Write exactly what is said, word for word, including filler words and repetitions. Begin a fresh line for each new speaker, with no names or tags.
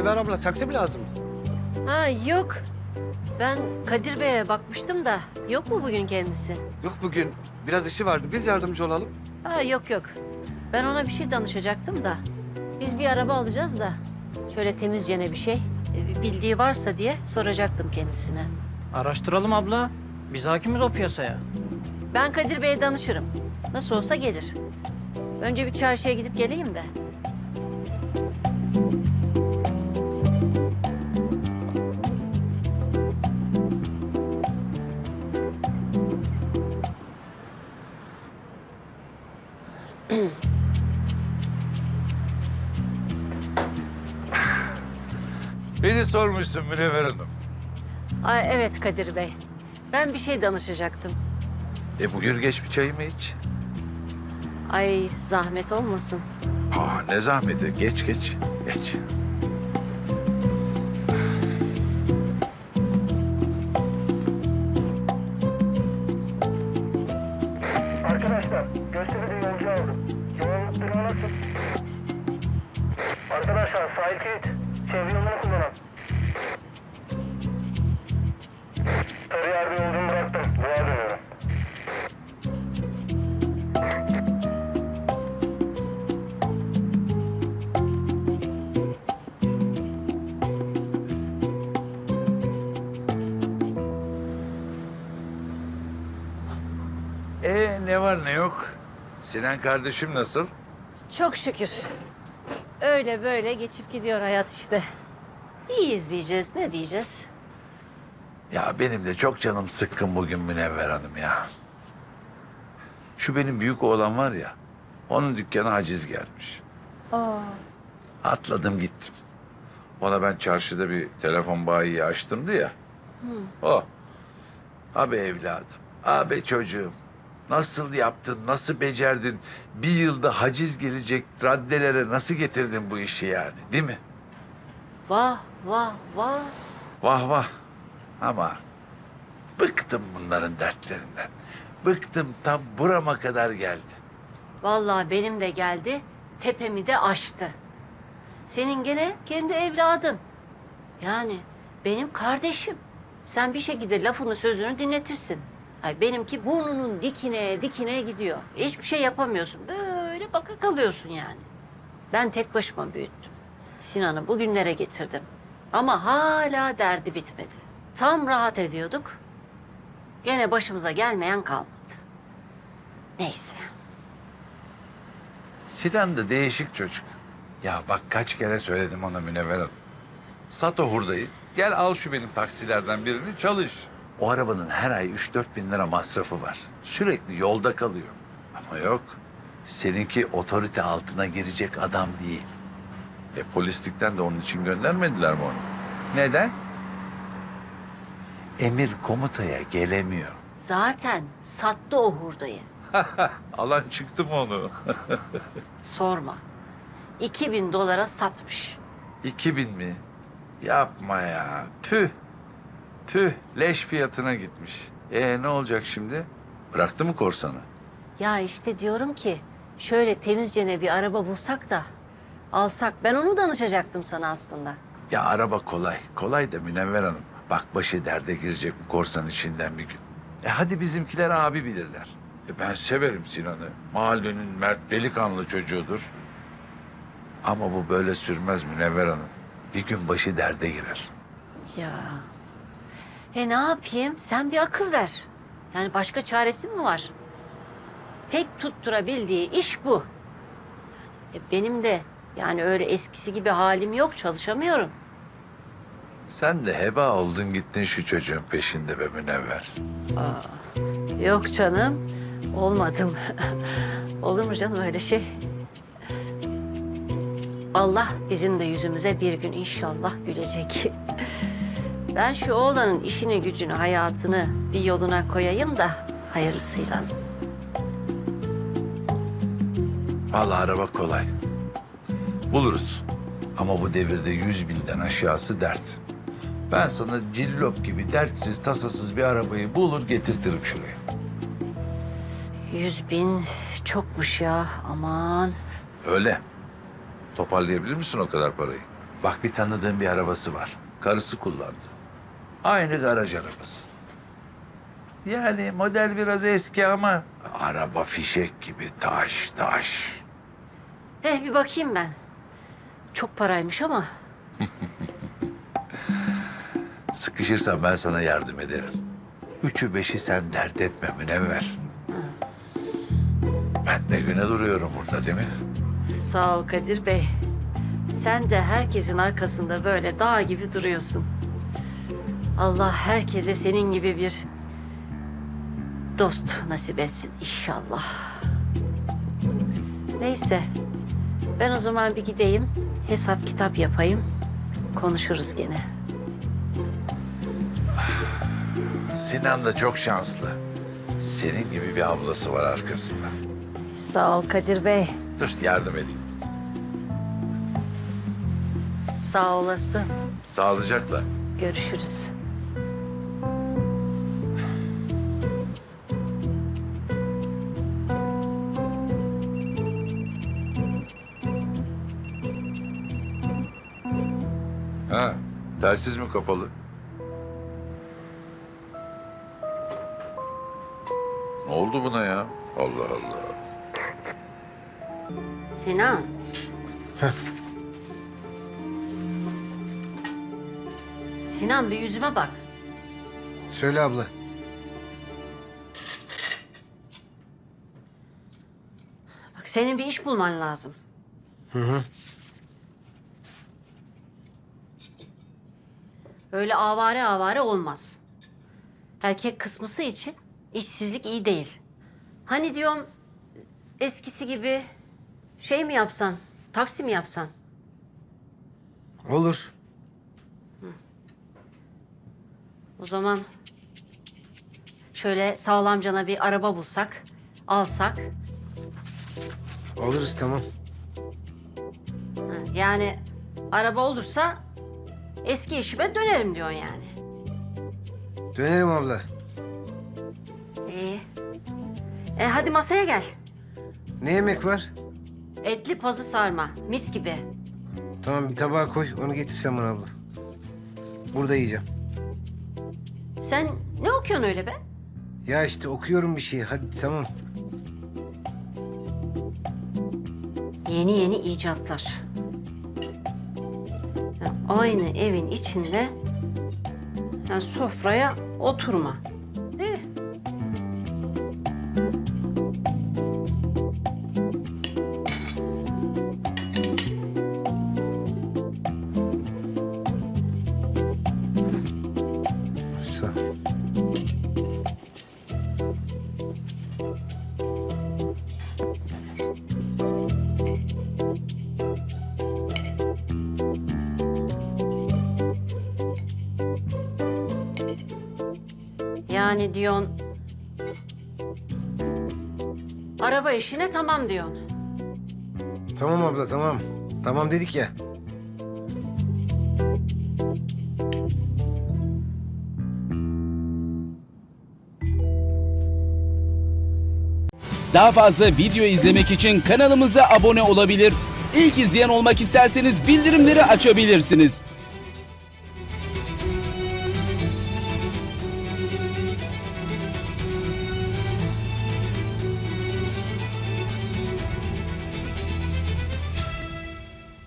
Münevver abla taksi mi lazım?
Ha yok. Ben Kadir Bey'e bakmıştım da yok mu bugün kendisi?
Yok bugün. Biraz işi vardı. Biz yardımcı olalım.
Ha yok yok. Ben ona bir şey danışacaktım da. Biz bir araba alacağız da. Şöyle temizcene bir şey. e, Bildiği varsa diye soracaktım kendisine.
Araştıralım abla. Biz hakimiz o piyasaya.
Ben Kadir Bey'e danışırım. Nasıl olsa gelir. Önce bir çarşıya gidip geleyim de.
Beni sormuşsun Münevver Hanım.
Ay, evet Kadir Bey. Ben bir şey danışacaktım.
E bugün geç bir çayımı iç.
Ay zahmet olmasın.
Ha ne zahmeti. Geç geç. Geç.
Arkadaşlar, gösteride yolcu aldım. Yoğunluk durumu nasıl? Arkadaşlar, sahil kilit. Çevre yolunu kullanın. Sarıyer'de yolcumu bıraktım. Doğa dönüyorum.
E ne var ne yok? Sinan kardeşim nasıl?
Çok şükür. Öyle böyle geçip gidiyor hayat işte. İyiyiz diyeceğiz, ne diyeceğiz?
Ya benim de çok canım sıkkın bugün Münevver Hanım ya. Şu benim büyük oğlan var ya, onun dükkana haciz gelmiş.
Aa.
Atladım gittim. Ona ben çarşıda bir telefon bayiyi açtımdı ya. O. Abi evladım, abi çocuğum. Nasıl yaptın, nasıl becerdin? Bir yılda haciz gelecek raddelere nasıl getirdin bu işi yani, değil mi?
Vah, vah, vah.
Vah vah. Ama bıktım bunların dertlerinden. Bıktım, tam burama kadar geldi.
Vallahi benim de geldi, tepemi de aştı. Senin gene kendi evladın. Yani benim kardeşim. Sen bir şekilde lafını sözünü dinletirsin. Ay benimki burnunun dikine dikine gidiyor. Hiçbir şey yapamıyorsun. Böyle baka kalıyorsun yani. Ben tek başıma büyüttüm. Sinan'ı bugünlere getirdim. Ama hala derdi bitmedi. Tam rahat ediyorduk. Gene başımıza gelmeyen kalmadı. Neyse.
Sinan da değişik çocuk. Ya bak kaç kere söyledim ona Münevver Hanım. Sat o hurdayı, gel al şu benim taksilerden birini çalış. O arabanın her ay üç dört bin lira masrafı var. Sürekli yolda kalıyor. Ama yok, seninki otorite altına girecek adam değil. E polislikten de onun için göndermediler mi onu? Neden? Emir komutaya gelemiyor.
Zaten sattı o hurdayı.
Alan çıktı mı onu?
Sorma. İki bin dolara satmış.
İki bin mi? Yapma ya. Tüh. Tüh. Leş fiyatına gitmiş. E ne olacak şimdi? Bıraktı mı korsanı?
Ya işte diyorum ki şöyle temizcene bir araba bulsak da alsak. Ben onu danışacaktım sana aslında.
Ya araba kolay. Kolay da Münevver Hanım. Bak başı derde girecek bu korsan içinden bir gün. E hadi bizimkiler abi bilirler. E ben severim Sinan'ı. Mahallenin mert delikanlı çocuğudur. Ama bu böyle sürmez Münevver Hanım. Bir gün başı derde girer.
Ya. E ne yapayım? Sen bir akıl ver. Yani başka çaresi mi var? Tek tutturabildiği iş bu. E benim de yani öyle eskisi gibi halim yok, çalışamıyorum.
Sen de heba oldun gittin şu çocuğun peşinde be Münevver.
Yok canım, olmadım. Olur mu canım öyle şey? Allah bizim de yüzümüze bir gün inşallah gülecek. Ben şu oğlanın işini gücünü, hayatını bir yoluna koyayım da hayırlısıyla.
Vallahi araba kolay. Buluruz. Ama bu devirde yüz binden aşağısı dert. Ben sana cillop gibi dertsiz, tasasız bir arabayı bulur getirtirim şuraya.
Yüz bin çokmuş ya, aman.
Öyle. Toparlayabilir misin o kadar parayı? Bak bir tanıdığım bir arabası var. Karısı kullandı. Aynı garaj arabası. Yani model biraz eski ama araba fişek gibi taş taş.
Eh bir bakayım ben. Çok paraymış ama.
Sıkışırsan ben sana yardım ederim. Üçü beşi sen dert etme Münevver. Ben de güne duruyorum burada değil mi?
Sağ ol Kadir Bey. Sen de herkesin arkasında böyle dağ gibi duruyorsun. Allah herkese senin gibi bir dost nasip etsin inşallah. Neyse. Ben o zaman bir gideyim. Hesap kitap yapayım. Konuşuruz gene.
Sinan da çok şanslı. Senin gibi bir ablası var arkasında.
Sağ ol Kadir Bey.
Dur yardım edeyim.
Sağ olasın.
Sağlıcakla.
Görüşürüz.
Ha, telsiz mi kapalı? Ne oldu buna ya? Allah Allah.
Sinan. Sinan bir yüzüme bak.
Söyle abla.
Bak senin bir iş bulman lazım.
Hı hı.
Öyle avare avare olmaz. Erkek kısmısı için işsizlik iyi değil. Hani diyorum eskisi gibi şey mi yapsan, taksi mi yapsan?
Olur.
O zaman şöyle sağlamcana bir araba bulsak, alsak.
Oluruz tamam.
Ha, yani araba olursa eski işime dönerim diyorsun yani.
Dönerim abla.
İyi. E hadi masaya gel.
Ne yemek var?
Etli pazı sarma, mis gibi.
Tamam bir tabağa koy. Onu getirsen bana abla. Burada yiyeceğim.
Sen ne okuyorsun öyle be?
Ya işte okuyorum bir şey. Hadi tamam.
Yeni yeni icatlar. Ya aynı evin içinde ya sofraya oturma. İyi.
Sağ ol.
Yani diyorsun... Araba işine tamam diyorsun.
Tamam abla tamam. Tamam dedik ya.
Daha fazla video izlemek için kanalımıza abone olabilir. İlk izleyen olmak isterseniz bildirimleri açabilirsiniz.